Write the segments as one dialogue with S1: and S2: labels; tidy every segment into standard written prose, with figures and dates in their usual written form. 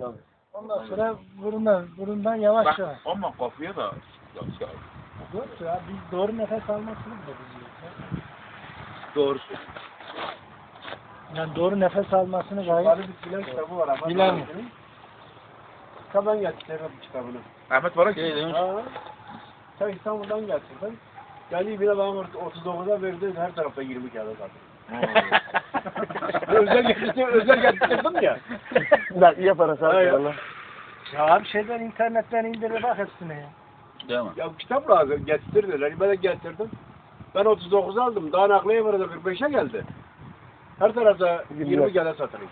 S1: Ondan sonra burundan yavaş yavaş.
S2: Ama kafaya da
S1: Yok ya, biz doğru nefes almasını da biliyoruz.
S2: doğrusu.
S1: Yani doğru nefes almasını gayet
S3: Bilen kitabı var ama.
S1: bilen.
S3: Kitabdan getirdim kitabını.
S2: Ahmet Barak demiş.
S3: Sen İstanbul'dan getirdin. Geldiği bile bana 39'a verdi, her tarafta 20 kağıda sattım. özel getirdim ya.
S4: Nakliye parası abi.
S1: Ya abi şeyden internetten indir bak hepsine ya.
S2: Değil mi?
S3: Ya kitap lazım, getirdiler. Ben de getirdim. Ben 39 aldım, daha nakliye vardı 45'e geldi. Her tarafta 20 kağıda satılıyor.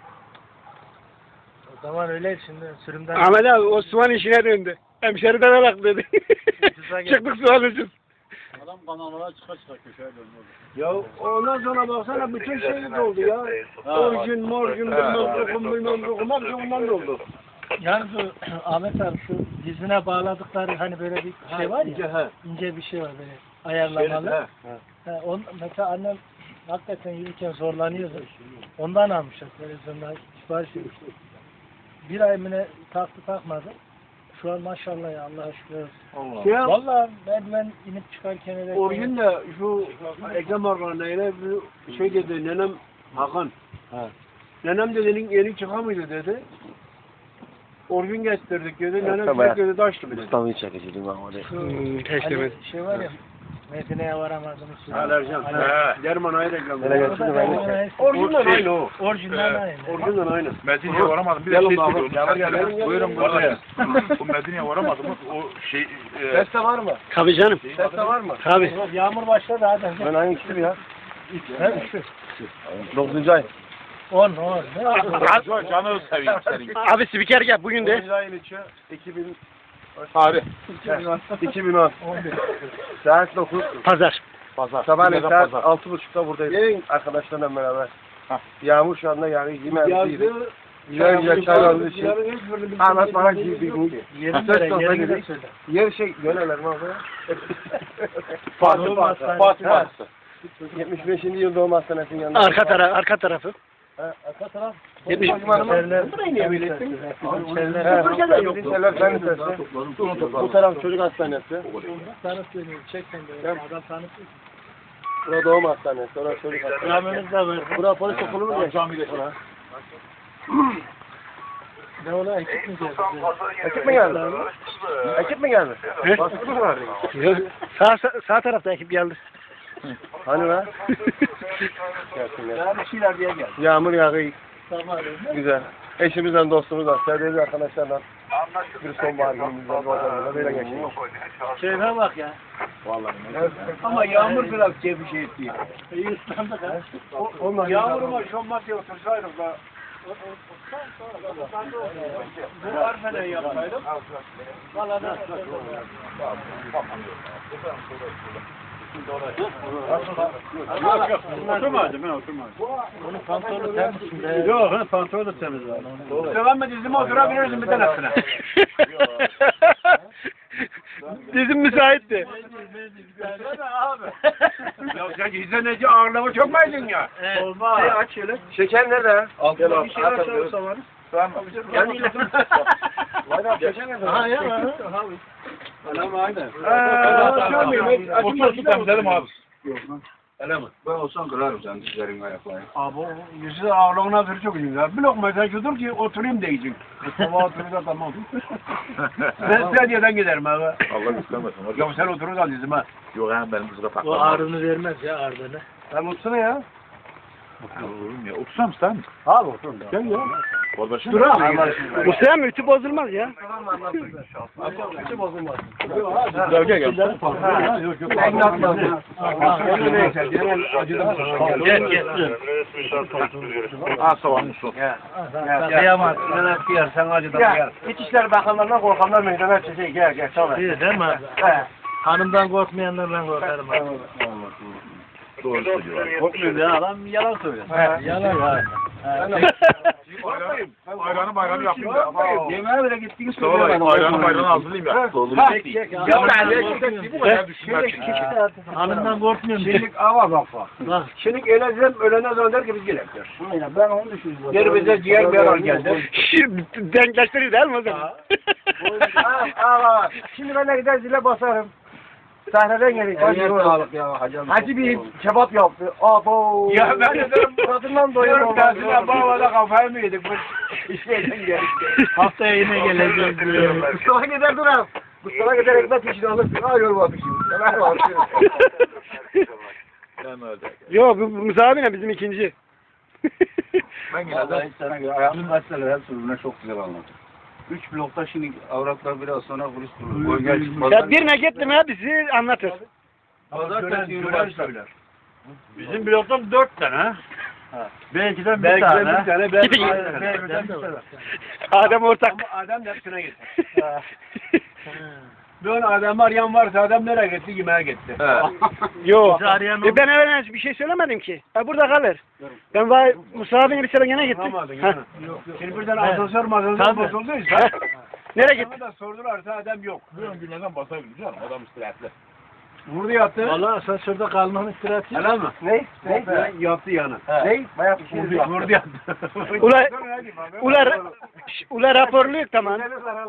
S1: O zaman öyle şimdi sürümden...
S4: Ahmet abi Osman işine döndü. Hemşeriden alak dedi. Çıktık sual için.
S2: Adam kanallara çıka köşeye döndü.
S3: Ya ondan sonra baksana bütün şey doldu ya. Orjin, morjin, bilmem dokum, hepsi ondan doldu.
S1: Yani bu Ahmet abi şu dizine bağladıkları hani böyle bir şey var
S3: İnce,
S1: ya,
S3: he.
S1: ince bir şey var böyle ayarlamalı.
S3: He.
S1: Mesela annem hakikaten yürürken zorlanıyordu. Ondan almışlar televizyonda sipariş etmişti. Bir ay mı ne taktı takmadı. Şu an maşallah ya Allah'a şükür olsun. Vallahi merdiven inip çıkarken öyle...
S3: Orjin de şu Ekrem Organ'la bir şey dedi, nenem Hakan. Nenem dedi, yeni çıkamıyordu dedi. Orjin getirdik dedi, nenem dedi, taştı bir dedi.
S4: Mustafa'yı çekeceğim ben oraya.
S1: Hani şey var ya, Medine'ye varamadım.
S3: Alerjan. Germanayı reklam.
S1: Orijinal
S3: aynı o.
S1: Orijinal aynı.
S3: Orijinal aynı.
S2: Medine'ye varamadım. Bir de şey söylüyorum. Buyurun buraya. Bu Medine'ye varamadım. O şey...
S3: Seste var mı?
S4: Tabii canım.
S3: Seste var mı?
S4: Tabii.
S1: Yağmur başladı hadi.
S4: Ben hangi ikisi ya?
S1: Ne üçü?
S4: 9. ay.
S1: 10.
S2: Canı seveyim senin.
S4: Abi spiker gel bugün de.
S3: 9. ayın içi 2000
S2: Tarih.
S3: 2010. Saat 9.
S4: Pazar.
S3: Sabahleyin saat 6.30'da buradayız. Arkadaşlarla beraber. Yağmur şu anda yani yemeğimizi güzel çaylarımızı için. Ahmet bana gibi.
S1: Yerini söyle.
S3: Yer şey göleler mi abi?
S1: Fatih.
S3: 75. yıl doğum hastanesinin yanında.
S4: Arka tarafı.
S3: Arka taraf.
S4: 70
S3: Burayı niye böyle ettin? Türkiye'de yok. Bu taraf çocuk hastanesi.
S1: Tanıtıyor. Çek sen de. Adam tanıtıyor.
S3: Burası doğum hastanesi. Orası çocuk hastanesi.
S1: Rameniz de var.
S3: Burası polis okulu mu?
S2: Camide.
S1: Ne ola ekip mi geldi?
S3: Ekip mi geldi? Ekip mi geldi? Baskı mı vardı?
S4: Sağ tarafta ekip geldi.
S3: Hani lan?
S1: Bir şeyler diye geldi.
S3: Yağmur yağıyor.
S1: Tamam.
S3: Güzel. Eşimizle, dostumuzla, sevdiğimiz arkadaşlarla bir sonbahar günümüzde böyle geçiyor.
S1: Şeyine bak ya.
S3: Ama yağmur biraz bir şey etti.
S1: İyi ıslandık ha.
S3: Yağmuruma şommak diye otursaydık da bu arfeden yapsaydım.
S1: Valla da.
S3: Yok. Oturmadım ben oturmadım.
S1: Onun pantolonu temiz.
S3: Yok pantolon da temiz var. Devam et dizime oturabilirsin bir tanesine.
S4: Dizim müsaitti.
S3: Abi. Ya sen izleneci ağırlama çok mu edin ya?
S1: Olmaz.
S3: Aç şöyle. Şeker nerede?
S1: Altında
S3: bir şeyler çalırsa var.
S2: Tamam.
S3: Yani şeker nerede?
S1: Ha ya.
S3: Anam aynen.
S2: Otur temizledim abi.
S3: Öyle mi? Ben olsam kırarım sen dizlerin ayaklarını. Abi o yüzü ağırlığına bir çok güzel. Bir lokma sen şudur ki oturayım diyecek. Sabah oturur da tamam. Ben Sadiye'den giderim abi.
S2: Allah istemesin.
S3: Ya sen oturursan dizime.
S2: Yok yani benim kızıra
S1: O
S2: takmam.
S1: ağrını vermez ya ağrını.
S3: Sen otursana ya.
S2: Oğlum ya otursam sen.
S3: Abi otur. Gel ya.
S2: Kardeşim.
S3: Dur abi.
S4: Bu sefer mi? Ütü bozulmaz ya.
S3: Hiç bozulmaz.
S2: Gel gel.
S3: Yok yok.
S2: Ha tamam olsun.
S1: Kıyamaz.
S3: Sen acıdan gel. İçişleri Bakanlarından korkanlar meydana çıkıyor. Gel gel. Tamam.
S1: İyi değil mi? Hanımdan korkmayanlardan korkarım.
S2: Doğru söylüyor.
S3: Korkmuyor ya adam yalan söylüyor.
S1: Yalan var.
S2: Ayranı yapayım da.
S3: Yemeğe bile gittiğini
S2: Mustafa Bey, ayranı hazırlayayım ya. Ya ben bu kadar düşünmek için.
S1: Hanımdan korkmuyorum.
S3: Şimdi ava bak. Şimdi öleceğim, ölene zaman der ki biz gelek der. Aynen, ben onu düşünüyorum. Geri bize ciğer meral geldi.
S4: Denkleştiriyor değil mi o zaman?
S3: Şimdi ben de gider zile basarım. Sahneden geldik. Hacı bir kebap yaptı. Abo. Ya ben de derim tadından doyuyorum. Tersine bağlada kafayı mı yedik? Bu işlerden geldik.
S1: Haftaya yine geleceğiz.
S3: Mustafa gider duram. Mustafa gider ekmek pişini alırsın. Aa yol var pişini. Sever var.
S4: Yok bu Musa abi ne bizim ikinci.
S2: Ben yine de
S5: Sana göre ayağımın gazeteleri hep sözüne çok güzel anladım. 3 blokta şimdi avratlar biraz sonra kulis kurulur.
S4: Ya birine gittim ya bizi anlatır.
S5: Pazartesi üniversite.
S3: Bizim bloktan 4 tane.
S5: Belki
S3: Bir tane.
S4: Gidin. Adem ortak.
S3: Ama adam da hepsine gitti. Ben adam arayan varsa adam nereye gitti? Yemeğe gitti.
S4: Yok.
S1: Bizi arayan
S4: Ben evvel bir şey söylemedim ki. Burada kalır. Ben vay Musa abiyle bir sene gene gittim.
S3: Bulamadın
S4: Ha.
S3: yani. Şimdi birden asansör
S1: Tabii.
S3: bozulduysa.
S4: Nereye gittin?
S3: Bana da sordularsa adam yok.
S2: bugün günlerden basabilir canım. Adam istirahatli.
S3: Vurdu yattı.
S1: Valla asansörde kalmanın istirahatı.
S3: Helal mi? Ne? Yattı yana.
S5: Ne? Bayağı bir şey yok.
S3: Vurdu yattı.
S4: Ula raporluyuk tamam.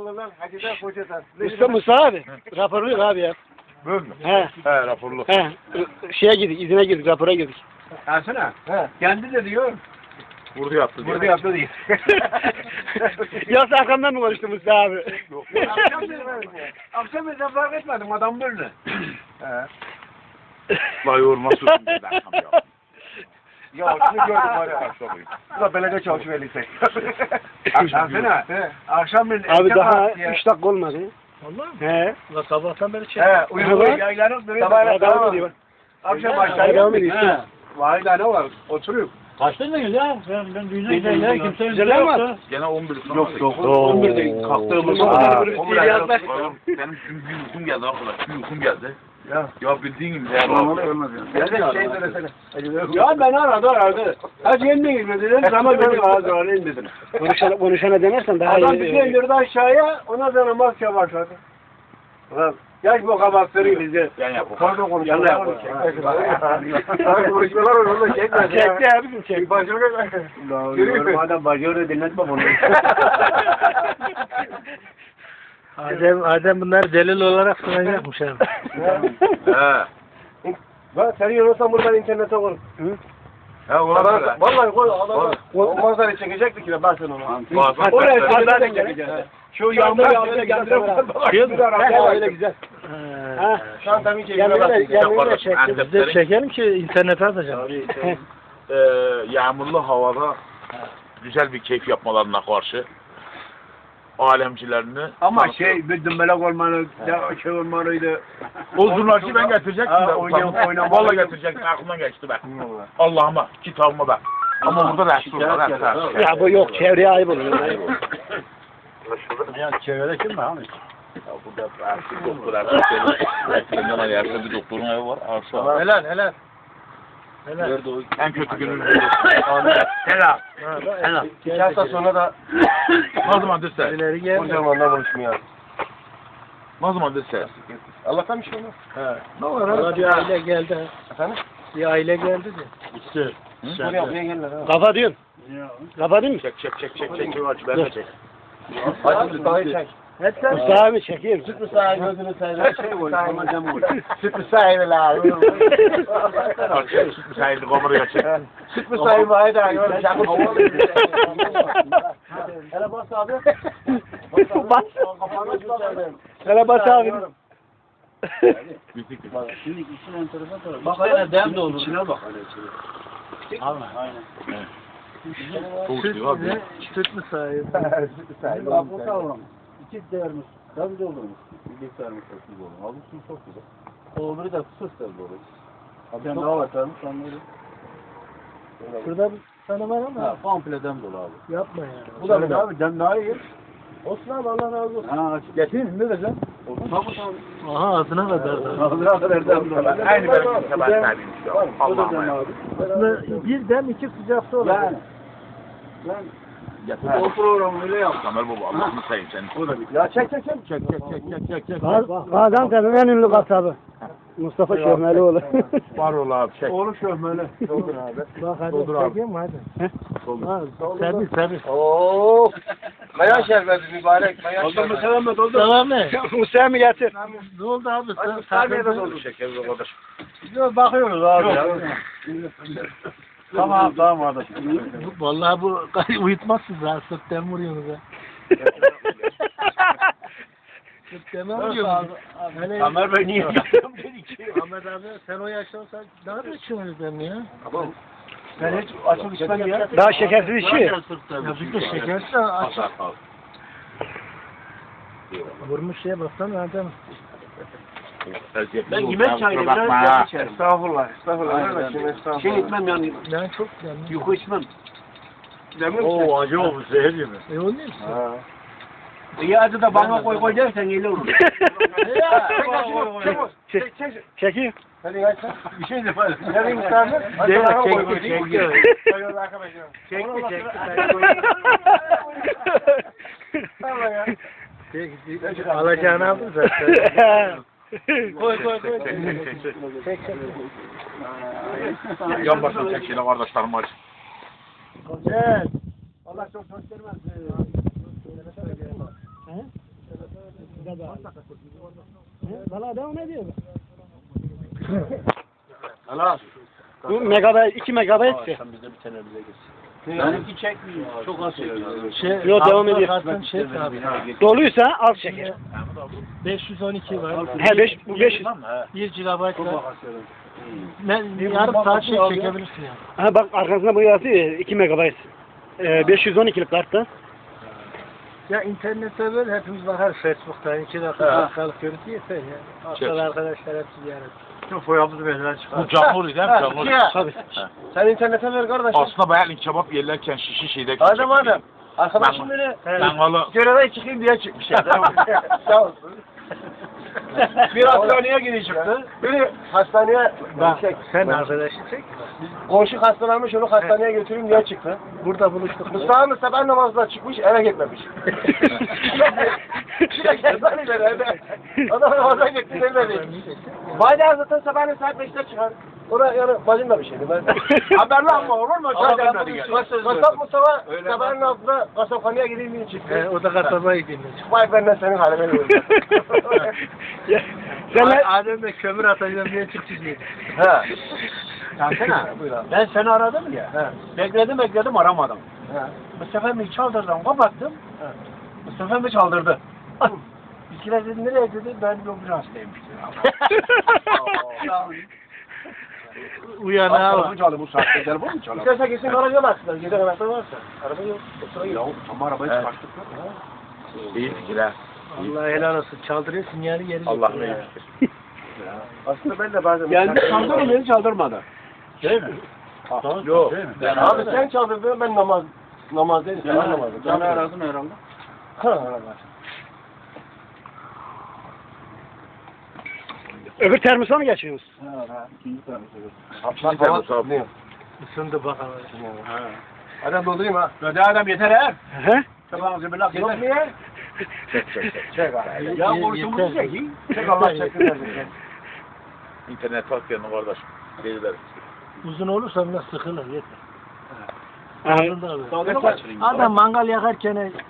S4: Musa abi. Raporluyuk abi ya.
S2: Böyle mü?
S4: He.
S2: He raporlu.
S4: He. Şeye girdik, izine girdik, rapora girdik.
S3: Ersin kendi de diyor.
S2: Vurdu yaptı diyor.
S3: Vurdu yattı diyor.
S4: Yoksa arkamdan mı konuştu Musa abi?
S3: Akşam ben fark etmedim adam böyle.
S2: Vay yorma tutun.
S5: Ya şunu gördüm var ya. Bu da belediye çalışıyor lisek.
S3: Ersin akşam ben
S4: Abi daha 3 dakika olmadı.
S1: Vallahi mi?
S4: He.
S1: Ulan sabahtan beri çek.
S3: He uyuyor yaylanıp duruyor.
S4: Sabah devam ediyor.
S3: Akşam aşağıya
S4: Devam ediyor.
S3: Vay ne var oturuyor.
S1: Kaçtınız ya? Ben düğüne ya kimsenin
S4: Güzel ama.
S2: Gene 11 sonra.
S5: Yok yok.
S3: 11'de kalktığımız
S2: Benim gün uykum geldi arkadaş. Gün uykum geldi. Ya bildiğin gibi.
S5: Olmalı ölmez yani.
S3: Şey söylesene. Ya ben aradı. Hadi yeniden girmediler. Zaman benim ağzı alayım dedim.
S4: Konuşana denersen daha
S3: Adam
S4: iyi.
S3: bir şey indirdi aşağıya. Ona sonra maske başladı. Ulan yaş bu kabakları bizi.
S2: Yani yap.
S3: Pardon konuşuyorlar. Yanına yapalım. Konuşuyorlar onu çekmedi.
S4: Çekti abi bizim çekti.
S3: Yürüyor. Adam bacıları dinletme bunu.
S1: Adem bunlar delil olarak sunacakmış abi.
S2: He.
S3: Bak sen yiyorsan buradan internete koy.
S2: He olabilir.
S3: Vallahi koy adamı. O manzarayı çekecektik ki ben sana onu.
S2: Bak.
S3: Oraya pazarda çekeceğiz. Şu yağmur yağmıyor kendine öyle güzel. Şantamı
S1: Biz de çekelim ki internete atacağım.
S2: Yağmurlu havada güzel bir keyif yapmalarına karşı alemcilerini
S3: ama şey bir dümbelek olmalı, şey olmalıydı.
S2: o zurnacıyı ben getirecektim
S3: Ha,
S2: de.
S3: oynamalı.
S2: Vallahi getirecektim. Aklımdan geçti be. Allah'ıma, kitabıma be. Ama burada resul var.
S4: Ya bu yok çevreye ayıp olur.
S5: Ya çevrede kim var abi?
S2: Ya burada artık doktor artık. Eskiden ayarda bir doktorun evi var. Arsa.
S1: Helal.
S2: Nerede o? En kötü günün.
S3: Helal.
S1: Helal.
S3: 2 hafta sonra da
S2: Ne zaman dese?
S1: İleri gel.
S3: kocamanla konuşmuyor.
S2: Ne zaman dese?
S3: Allah'tan bir şey olmaz.
S1: Ne var abi? Bir aile geldi.
S3: Efendim?
S1: Bir aile geldi de.
S2: İşte.
S3: Buraya buraya gelirler ha.
S4: Kafa diyorsun. Kafa değil mi?
S2: Çek. Ben de çek.
S3: Hadi Mustafa'yı çek.
S4: Musa abi çekeyim.
S3: Mustafa gözünü seveyim. Şey koy, ama cam koy. Süt Mustafa'yı la.
S2: Sayın kameraya çek.
S3: Süt Mustafa'yı var da gör. Cam koy. Hele bas abi.
S4: Bas. Hele bas abi.
S5: Şimdi işin enteresan tarafı.
S3: Bak hele dem de olur. İçine bak hele içine.
S5: Aynen.
S2: Soğuk diyor abi.
S1: Süt mü sahibi?
S5: Süt sahibi. Bak bu kavram. 2 değermiş. Tabii doldurmuş. Bir sarmış çok güzel olur. Abi su çok güzel. O öbürü de fısık da doğru. Abi sen daha var tanış onları.
S1: Şurada bir tane var ama
S5: Ha, komple dem dolu abi.
S1: yapma yani.
S5: Bu da abi dem daha iyi. Olsun abi Allah razı olsun. Ha, getireyim ne diyeceğim?
S1: Aha ağzına kadar.
S5: Allah kadar dem dolu.
S2: Aynı benim sebat sahibiyim şu an. Allah'ım ya.
S1: Aslında bir dem 2 sıcak su olur.
S5: Yani
S3: O programı öyle yap.
S2: Kamer baba Allah'ını sayayım seni.
S3: Ya çek.
S4: Gaziantep'in en ünlü kasabı. Mustafa Şöhmelioğlu.
S2: Var ol abi çek.
S3: Oğlum şöhmeli.
S1: Bak hadi
S2: Doldur abi.
S1: çekeyim mi hadi? Ha, servis.
S3: Oo. Maya şerbeti mübarek. Maya şerbeti. Doldur mu Selam doldur.
S1: Tamam mı?
S4: Mustafa mı getir?
S1: Ne oldu abi?
S3: Saniyede doldur. Şeker bu kadar.
S1: Bakıyoruz abi.
S3: Tamam kardeş.
S1: Vallahi bu uyutmazsınız ha. Sütten vuruyorsunuz ha. Sütten vuruyorsunuz.
S3: Ömer Bey niye
S1: Ahmet abi sen o yaşta olsan daha da içiyorsunuz ben ya.
S3: Ben hiç açık içmem ya.
S4: Daha şekersiz içiyor.
S1: Ya biz de şekerse açık. Vurmuş şeye baksana adam.
S3: Ben yemek çayını biraz yap içerim. Estağfurullah. Şey içmem yani.
S1: Ben çok yani.
S3: Yuku içmem.
S2: Oo acı olmuş zehir gibi.
S1: O ne?
S3: İyi acı da bana koy dersen iyi olur.
S4: Çekeyim.
S3: Hadi kaç sen. Bir şey de var. Nereye istedin? Hadi bana koy. Çekti.
S1: Alacağını aldın zaten.
S3: Koy.
S1: Çek.
S2: Yan başına çek şeyle kardeşlerim acı.
S1: Gel.
S3: Allah çok göstermez.
S4: Valla devam ediyor.
S3: Allah.
S4: Bu megabayt, 2 megabayt ise.
S3: Benimki çekmiyor. Çok az çekiyor.
S4: Yo, devam ediyor.
S1: Kartın şey abi.
S4: Doluysa az çeker.
S1: 512 var.
S4: He 5 bu 500.
S1: 1 GB var. Yarım saat şey çekebilirsin yani.
S4: Ha bak arkasında bu yazıyor 2 megabayt. 512'lik kartta.
S1: Ya internette böyle hepimiz bakar Facebook'tan 2 dakikalık görüntü yeter ya. Haftada arkadaşlar hepsi ziyaret.
S3: Çok boyamız benden çıkar.
S2: Bu canlı değil mi? Canlı.
S4: Tabii.
S3: Sen internete ver kardeşim.
S2: Aslında bayağı kebap yerlerken şişi şeyde.
S3: Adam. Arkadaşım beni
S2: Mangalı.
S3: göreve çıkayım diye çıkmış ya. Sağ olsun. Bir hastaneye geri çıktı. Biri hastaneye
S1: Bak sen arkadaşı çek.
S3: komşu hastalanmış onu hastaneye götüreyim diye çıktı.
S1: Burada buluştuk.
S3: Mustafa sabah namazına çıkmış eve gitmemiş. Bir de kendini evde. Adam namaza gitti evde. Bayda zaten sabahleyin saat 5'te çıkar. Orada yani bacım da bir şeydi. Ben haberli ama olur mu? Kasap Mustafa sabahın altında kasaphaneye gideyim diye çıktı.
S1: O da kasabaya gidiyor.
S3: Vay benden senin haline gördüm.
S4: Sen
S1: Adem de kömür atacağım diye çıktı diye.
S3: He. Ben seni aradım ya. Bekledim aramadım. Bu sefer mi çaldırdım kapattım. Bu sefer mi çaldırdı? Bizkiler dedi nereye dedi ben ambulansdayım.
S1: Uyan abi.
S3: çaldı bu saatte telefon mu çaldı? İstersen kesin garaja baksınlar. Gece anahtar varsa. Araba yok. Ya ama arabayı çıkarttık.
S2: İyi fikir ha.
S1: Allah helal olsun. Çaldırıyor sinyali geri.
S2: Allah ne fikir.
S3: Aslında ben de bazen... Yani çaldırır beni çaldırmadı.
S2: Değil mi?
S3: Yok. Abi sen çaldırdın ben namazdayım. Sen namazdayım.
S2: Canı aradın herhalde.
S3: Ha.
S4: öbür termosa mı geçiyorsunuz?
S1: Isındı bakalım.
S3: Adam doldurayım ha. Hadi adam yeter ha.
S4: He?
S3: Tamam zibirlak yeter. Yok mu ya? Çek abi. Ya borcumuzu çek. Çek Allah çeksin.
S2: İnternet takıyorum kardeş. Gelirler.
S1: Uzun olursa biraz sıkılır yeter.
S4: Ha.
S1: Adam mangal yakarken